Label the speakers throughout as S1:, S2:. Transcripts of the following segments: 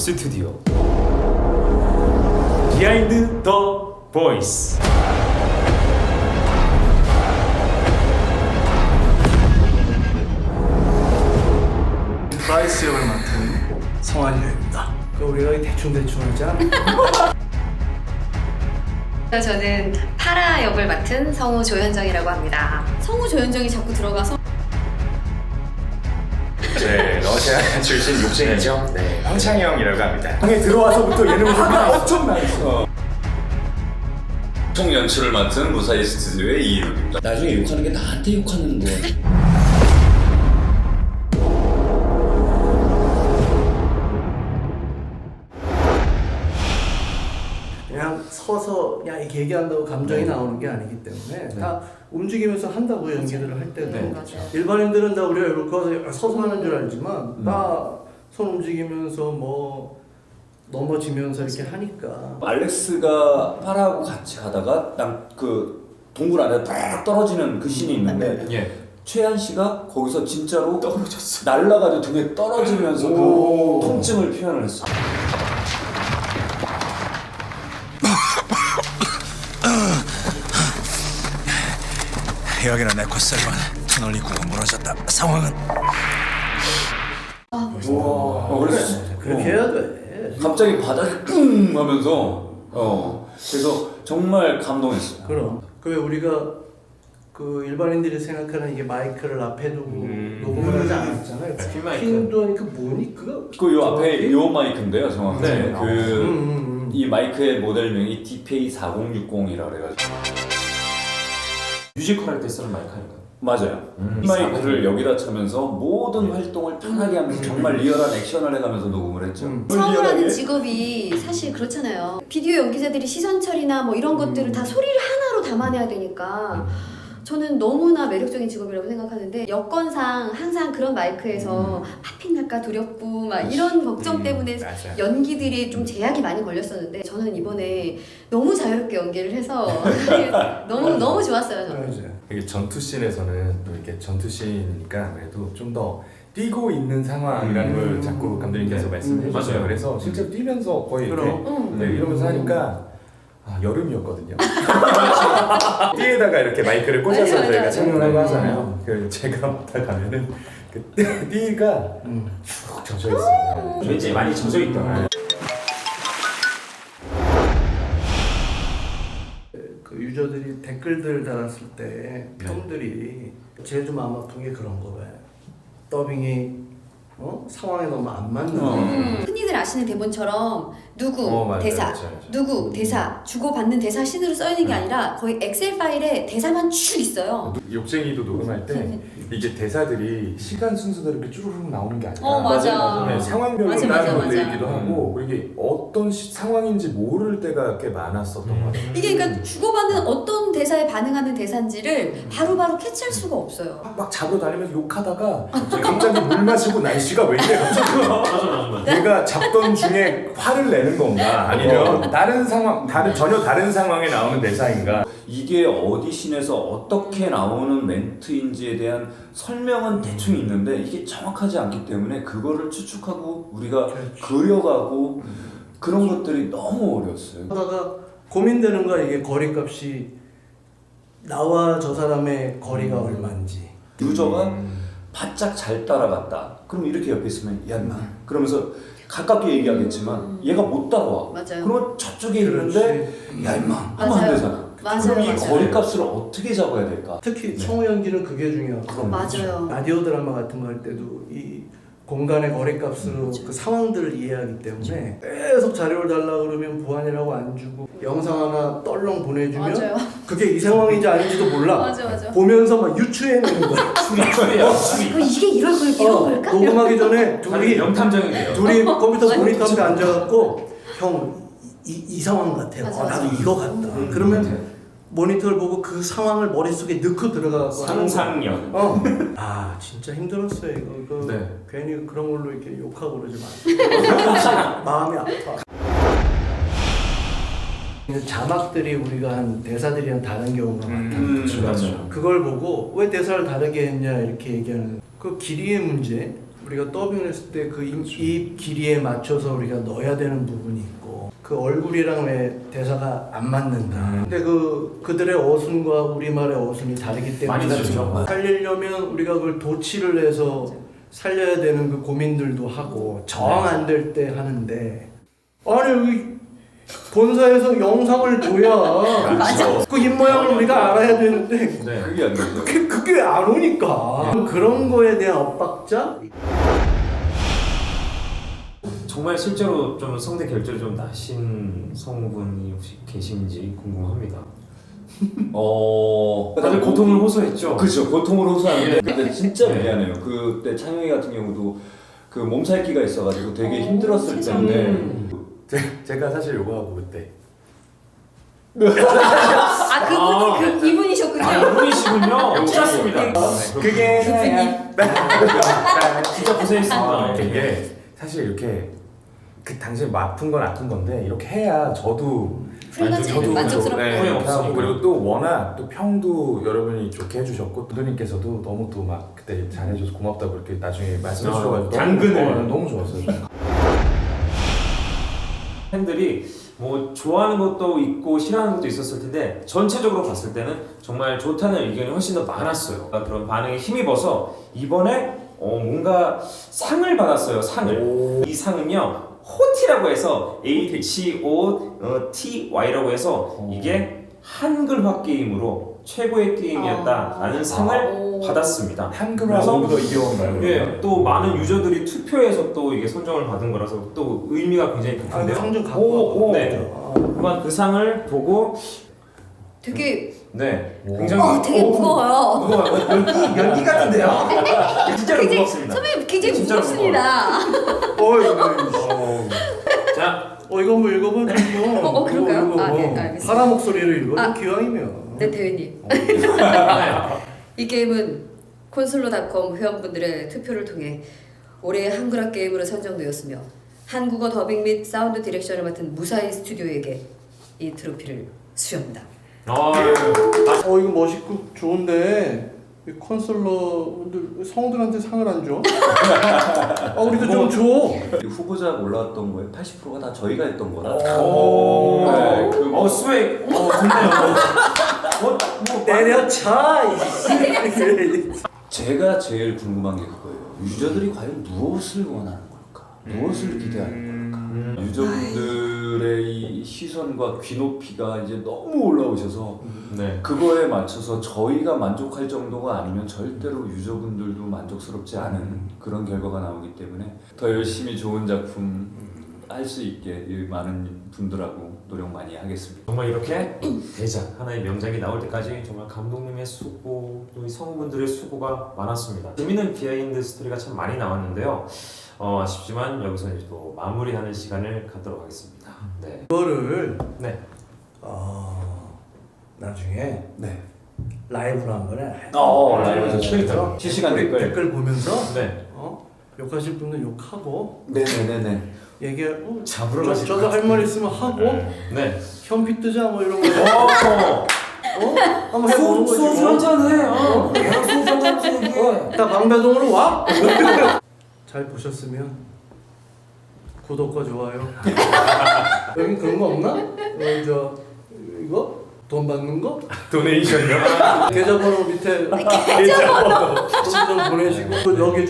S1: 스튜디오 비하인드 더 보이스.
S2: 브라이스 역을 맡은 성환이입니다. 우리가 대충 하자.
S3: 저는 파라 역을 맡은 성우 조현정이라고 합니다. 성우 조현정이 자꾸 들어가서
S1: 러시아 출신 욕쟁이죠. 네, 황창영이라고 합니다.
S2: 방에 들어와서부터 얘는 화가 엄청 나 있어.
S4: 총 연출을 맡은 무사히 스튜디오의 이인욱입니다.
S5: 나중에 욕하는 게 나한테 욕하는 거야.
S2: 그냥 서서 그냥 이렇게 얘기한다고 감정이 나오는 게 아니기 때문에 다 움직이면서 한다고 연기들을 할 때도
S3: 맞아요.
S2: 일반인들은 다 우리가 이렇게 와서 서서 하는 줄 알지만 다 손 움직이면서 뭐 넘어지면서 이렇게 하니까
S5: 알렉스가 파라하고 같이 가다가 딱 그 동굴 안에 딱 떨어지는 그 씬이 있는데
S1: 예.
S5: 최한 씨가 거기서 진짜로 떨어졌어. 날라가지고 등에 떨어지면서 그 통증을 표현을 했어.
S6: 여기는 에코셀반 터널 입구가 무너졌다. 상황은
S5: 그래서
S2: 그렇게 해야 돼.
S5: 갑자기 바닥에 끙 하면서 그래서 정말 감동했어요.
S2: 그럼 그 우리가 그 일반인들이 생각하는 이게 마이크를 앞에 두고 녹음을 하지 않았잖아요.
S1: 핀 마이크.
S2: 핀도 아니 그 뭐니 그거?
S5: 그 요 앞에 요 마이크인데요, 정확히.
S1: 네.
S5: 이 마이크의 모델명이 DPA4060이라 그래가지고.
S1: 뮤지컬 할 때 쓰는 마이크 아닌가요?
S5: 맞아요. 이 마이크를 여기다 차면서 모든 활동을 편하게 하면서 정말 리얼한 액션을 해가면서 녹음을 했죠.
S3: 성우라는 직업이 사실 그렇잖아요. 비디오 연기자들이 시선 처리나 뭐 이런 것들을 다 소리를 하나로 담아내야 되니까 저는 너무나 매력적인 직업이라고 생각하는데 여건상 항상 그런 마이크에서 팝핀 날까 두렵고 막 이런 걱정 때문에
S1: 맞아요.
S3: 연기들이 좀 제약이 많이 걸렸었는데 저는 이번에 너무 자유롭게 연기를 해서 너무 좋았어요. 저는.
S1: 이게 전투씬에서는 또 이렇게 전투씬이니까 아무래도 좀 더 뛰고 있는 상황이라는 걸 자꾸 감독님께서 말씀해 주셔요.
S7: 맞아요.
S1: 그래서 실제로 뛰면서 거의 이렇게
S2: 그럼.
S1: 네, 이러면서 하니까 여름이었거든요. 띠에다가 이렇게 마이크를 꽂아서
S3: 맞아,
S1: 저희가
S3: 맞아.
S1: 촬영을 하고 하잖아요. 그 제가 맡아 가면은 그 띠가 쭉 젖어 있어요. 왠지 많이 젖어 있더라.
S2: 그 유저들이 댓글들 달았을 때 평들이 제일 좀 마음 아픈 게 그런 거 봐요. 더빙이 상황에 너무 안 맞는
S3: 흔히들 아시는 대본처럼 누구
S1: 맞아요,
S3: 대사,
S1: 맞아요.
S3: 누구 대사, 주고받는 대사 씬으로 써 있는 게 아니라 거의 엑셀 파일에 대사만 쭉 있어요.
S1: 욕쟁이도 녹음할 때 이게 대사들이 시간 순서대로 이렇게 쭈루룩 나오는 게 아니라
S3: 맞아.
S1: 네, 상황별로
S3: 맞아,
S1: 나누는
S3: 맞아.
S1: 얘기도 하고 그리고 이게 어떤 상황인지 모를 때가 꽤 많았었던 것 같아요.
S3: 이게 그러니까 주고받는 어떤 대사에 반응하는 대사인지를 바로바로 캐치할 수가 없어요.
S1: 막 잡으러 다니면서 욕하다가 갑자기 물 마시고 날씨가 왜 이래 갑자기 내가 잡던 중에 화를 내는 건가 아니면 다른 상황 전혀 다른 상황에 나오는 대사인가.
S5: 이게 어디신에서 어떻게 나오는 멘트인지에 대한 설명은 대충 있는데 이게 정확하지 않기 때문에 그거를 추측하고 우리가 그려가고 그런 것들이 너무 어려웠어요.
S2: 하다가 고민되는 거야. 이게 거리값이 나와 저 사람의 거리가 얼마인지.
S5: 유저가 바짝 잘 따라갔다. 그럼 이렇게 옆에 있으면 야 인마 그러면서 가깝게 얘기하겠지만 얘가 못 따라와.
S3: 맞아요.
S5: 그러면 저쪽에 있는데 야 인마 하면 안 되잖아. 그럼 이
S3: 맞아요.
S5: 거리값을 어떻게 잡아야 될까?
S2: 특히 성우 연기는 그게 중요하고
S3: 맞아요.
S2: 라디오 드라마 같은 거 할 때도 이 공간의 거리값으로 그 상황들을 이해하기 때문에 계속 자료를 달라 그러면 보안이라고 안 주고 영상 하나 떨렁 보내주면
S3: 맞아요.
S2: 그게 이 상황인지 아닌지도 몰라.
S3: 맞아.
S2: 보면서 막 유추해내는 거야.
S3: 이게 이럴 걸 이런 걸까?
S2: 녹음하기 전에 둘이
S7: 명탐정이에요.
S2: 컴퓨터
S3: 맞아.
S2: 모니터 앞에 앉아갖고 형 이 상황 같아요.
S3: 맞아,
S2: 나도
S3: 맞아.
S2: 이거 같다. 그러면 모니터를 보고 그 상황을 머릿속에 넣고 들어가서
S1: 상상력.
S2: 아 진짜 힘들었어요 이거.
S1: 네.
S2: 괜히 그런 걸로 이렇게 욕하고 그러지 마세요. 마음이 아파. 자막들이 우리가 한 대사들이 한 다른 경우가 많다.
S1: 맞죠.
S2: 그걸 보고 왜 대사를 다르게 했냐 이렇게 얘기하는 그 길이의 문제. 우리가 더빙을 했을 때 그 입 길이에 맞춰서 우리가 넣어야 되는 부분이 있고 그 얼굴이랑 왜 대사가 안 맞는다. 근데 그들의 어순과 우리말의 어순이 다르기 때문에
S7: 많이 다르죠.
S2: 살리려면 우리가 그걸 도치를 해서 살려야 되는 그 고민들도 하고 저항 안 될 때 하는데 아니 여기 본사에서 영상을 줘야
S3: 맞아.
S2: 그 입모양을 우리가 알아야 되는데
S7: 네.
S5: 그게 안 되죠.
S2: 그게 안 오니까 그런 거에 대한 엇박자?
S7: 정말 실제로 좀 성대 결절이 좀 나신 성우분이 혹시 계신지 궁금합니다. 다들 고통을 호소했죠.
S5: 그렇죠. 고통을 호소하는데
S7: 예.
S5: 근데 진짜
S7: 네.
S5: 미안해요. 그때 창영이 같은 경우도 그 몸살기가 있어가지고 되게 힘들었을
S3: 세상에.
S5: 텐데
S1: 제가 사실 요거 하고 그때
S3: 아, 그 이분이셨군요.
S7: 이분이시군요. 찾았습니다.
S1: 그게
S7: 진짜 고생했습니다.
S1: 이게 사실 이렇게 그 당시에 아픈 건 아픈 건데 이렇게 해야 저도
S3: 만족스럽고.
S1: 네,
S7: 후회
S1: 하고
S7: 없으니까.
S1: 그리고 또 워낙 또 평도 여러분이 좋게 해주셨고 감독님께서도 너무 또 막 그때 잘해줘서 고맙다고 이렇게 나중에 말씀해 주셔가지고
S7: 당근을.
S1: 너무 좋았어요.
S7: 팬들이 뭐 좋아하는 것도 있고 싫어하는 것도 있었을 텐데 전체적으로 봤을 때는 정말 좋다는 의견이 훨씬 더 많았어요. 그런 반응에 힘입어서 이번에 뭔가 상을 받았어요. 상을. 이 상은요 호티라고 해서 HOTY라고 해서 이게 한글화 게임으로 최고의 게임이었다라는 상을 받았습니다.
S1: 한글화보다 이겨온가요?
S7: 예, 또 많은 유저들이 투표해서 또 이게 선정을 받은 거라서 또 의미가 굉장히
S2: 아, 그
S7: 깊은데요.
S2: 상좀 갖고 와.
S7: 네. 한번 그 상을 보고
S3: 되게
S7: 네, 굉장히
S3: 되게 무거워요.
S7: 연기 같은데요. 진짜로
S3: 굉장히
S7: 무겁습니다.
S3: 선배님 굉장히
S7: 진짜로
S3: 무겁습니다.
S7: 자,
S2: 이거 한번 읽어봐.
S3: 그럴까요? 아, 네, 알겠습니다.
S2: 사람 목소리를 읽어.
S3: 아.
S2: 기왕이면.
S3: 네, 대회님. 이 게임은 콘솔로닷컴 회원분들의 투표를 통해 올해의 한글화 게임으로 선정되었으며 한국어 더빙 및 사운드 디렉션을 맡은 무사히 스튜디오에게 이 트로피를 수여합니다.
S2: 이거 멋있고 좋은데 이 컨설러들 성우들한테 상을 안 줘? 우리도 좀 줘.
S5: 후보자 올라왔던 거에 80%가 다 저희가 했던 거라.
S7: 스웨이, 좋네요.
S2: 내려차.
S5: 제가 제일 궁금한 게 그거예요. 유저들이 과연 무엇을 원하는 걸까? 무엇을 기대하는 걸까? 유저분들의 이 시선과 귀높이가 이제 너무 올라오셔서
S7: 네.
S5: 그거에 맞춰서 저희가 만족할 정도가 아니면 절대로 유저분들도 만족스럽지 않은 그런 결과가 나오기 때문에 더 열심히 좋은 작품 할 수 있게 이 많은 분들하고 노력 많이 하겠습니다.
S7: 정말 이렇게 대작 하나의 명작이 나올 때까지 정말 감독님의 수고 또 이 성우분들의 수고가 많았습니다. 재밌는 비하인드 스토리가 참 많이 나왔는데요. 아쉽지만 여기서 이제 또 마무리하는 시간을 갖도록 하겠습니다. 네.
S2: 그거를
S7: 네.
S2: 나중에
S5: 네.
S2: 라이브로 한번 해.
S5: 라이브
S7: 그러니까요.
S5: 실시간
S2: 우리
S5: 댓글.
S2: 댓글 보면서
S7: 네.
S2: 욕하실 분은 욕하고
S5: 네네네네.
S2: 얘기하고
S7: 잡으러 가실
S2: 저도 할 말 있으면 하고
S7: 네.
S2: 현피 뜨자 뭐 이런 거. 한번 해보는 거지.
S7: 소주 한잔 해. 소주 한잔 해.
S2: 다 방배동으로 와. 잘 보셨으면 구독과 좋아요. 여기 그런 거 없나? 이거 돈 받는 거?
S1: 도네이션이요?
S2: 계좌번호 밑에 계좌번호 좀 보내시고 또 여기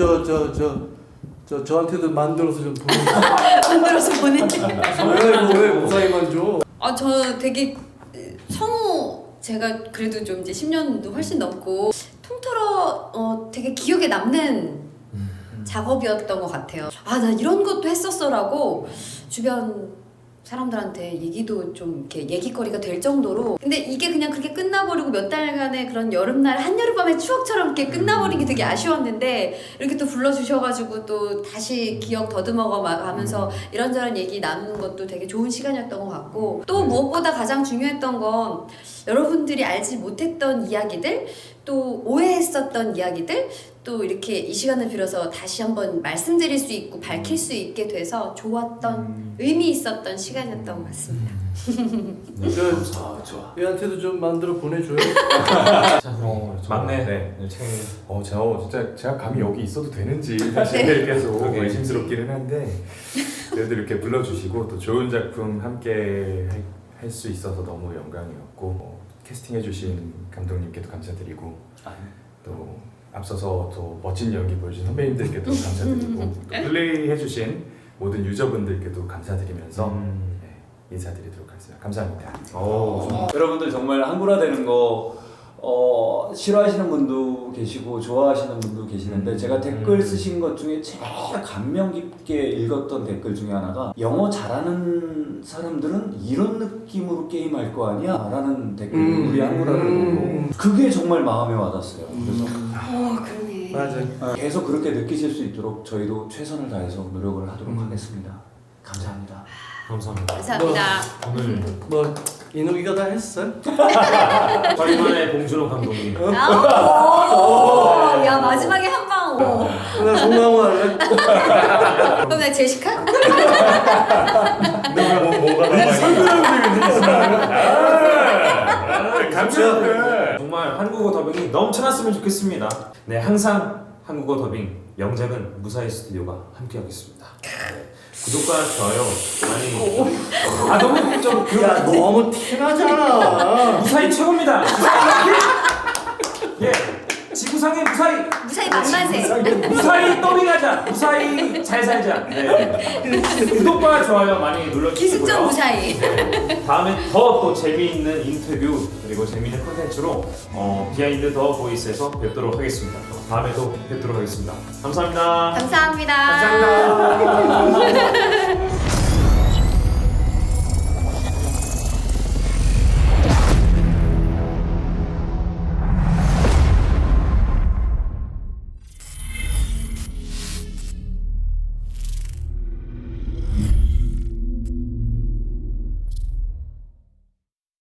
S2: 저한테도 만들어서 좀 보내주세요.
S3: 만들어서 보내.
S2: 왜 무사히만 줘?
S3: 저 되게 성우 제가 그래도 좀 이제 10년도 훨씬 넘고 통틀어 되게 기억에 남는 작업이었던 것 같아요. 나 이런 것도 했었어라고 주변 사람들한테 얘기도 좀 이렇게 얘기거리가 될 정도로. 근데 이게 그냥 그렇게 끝나버리고 몇 달간의 그런 여름날 한여름밤의 추억처럼 이렇게 끝나버린 게 되게 아쉬웠는데 이렇게 또 불러주셔가지고 또 다시 기억 더듬어가 하면서 이런저런 얘기 나누는 것도 되게 좋은 시간이었던 것 같고, 또 무엇보다 가장 중요했던 건 여러분들이 알지 못했던 이야기들, 또 오해했었던 이야기들, 또 이렇게 이 시간을 빌어서 다시 한번 말씀드릴 수 있고 밝힐 수 있게 돼서 좋았던 의미 있었던 시간이었던 것 같습니다.
S7: 네,
S2: 그-
S7: 감사.
S5: 좋아.
S2: 얘한테도 좀 만들어 보내줘요.
S7: 자, 우리 막내
S1: 네.
S7: 챙.
S1: 제가 감히 여기 있어도 되는지 사실 계속
S7: 그러게.
S1: 의심스럽기는 한데 그래도 이렇게 불러주시고 또 좋은 작품 함께 할 수 있어서 너무 영광이었고 캐스팅해주신 감독님께도 감사드리고 또 앞서서 또 멋진 연기 보여주신 선배님들께도 감사드리고 또 플레이해주신 모든 유저분들께도 감사드리면서 네, 인사드리도록 하겠습니다. 감사합니다.
S5: 여러분들 정말 한글화되는 거 싫어하시는 분도 계시고 좋아하시는 분도 계시는데 제가 댓글 쓰신 것 중에 제일 감명 깊게 읽었던 댓글 중에 하나가 영어 잘하는 사람들은 이런 느낌으로 게임할 거 아니야? 라는 댓글 우리 한글화를 보고 그게 정말 마음에 와닿았어요. 그래서
S3: 그러네.
S2: 맞아.
S5: 계속 그렇게 느끼실 수 있도록 저희도 최선을 다해서 노력을 하도록 하겠습니다. 감사합니다.
S7: 감사합니다.
S3: 감사합니다.
S7: 오늘
S2: 뭐 이노기가 다 했어?
S7: 저희만의 봉준호 감독님.
S3: 야 마지막에 한 방.
S2: 나 송강호 할래?
S3: 그럼 나 제시카?
S1: 뭐가 감사합니다.
S7: 정말 한국어 더빙이 넘쳐났으면 좋겠습니다. 네, 항상 한국어 더빙 명작은 무사히 스튜디오가 함께하겠습니다. 네, 구독과 좋아요 많이. 너무 좀
S2: 야 너무 티나잖아.
S7: 무사히 최고입니다. 예, 지구상의 무사히.
S3: 무사히 만만세.
S7: 무사히 더빙하자. 무사히 잘 살자. 네. 구독과 좋아요 많이 눌러주시고요.
S3: 기승전 무사히.
S7: 네. 다음에 더 또 재미있는 인터뷰 그리고 재미있는 콘텐츠로 비하인드 더 보이스에서 뵙도록 하겠습니다. 다음에 또 뵙도록 하겠습니다. 감사합니다.
S3: 감사합니다.
S1: 감사합니다.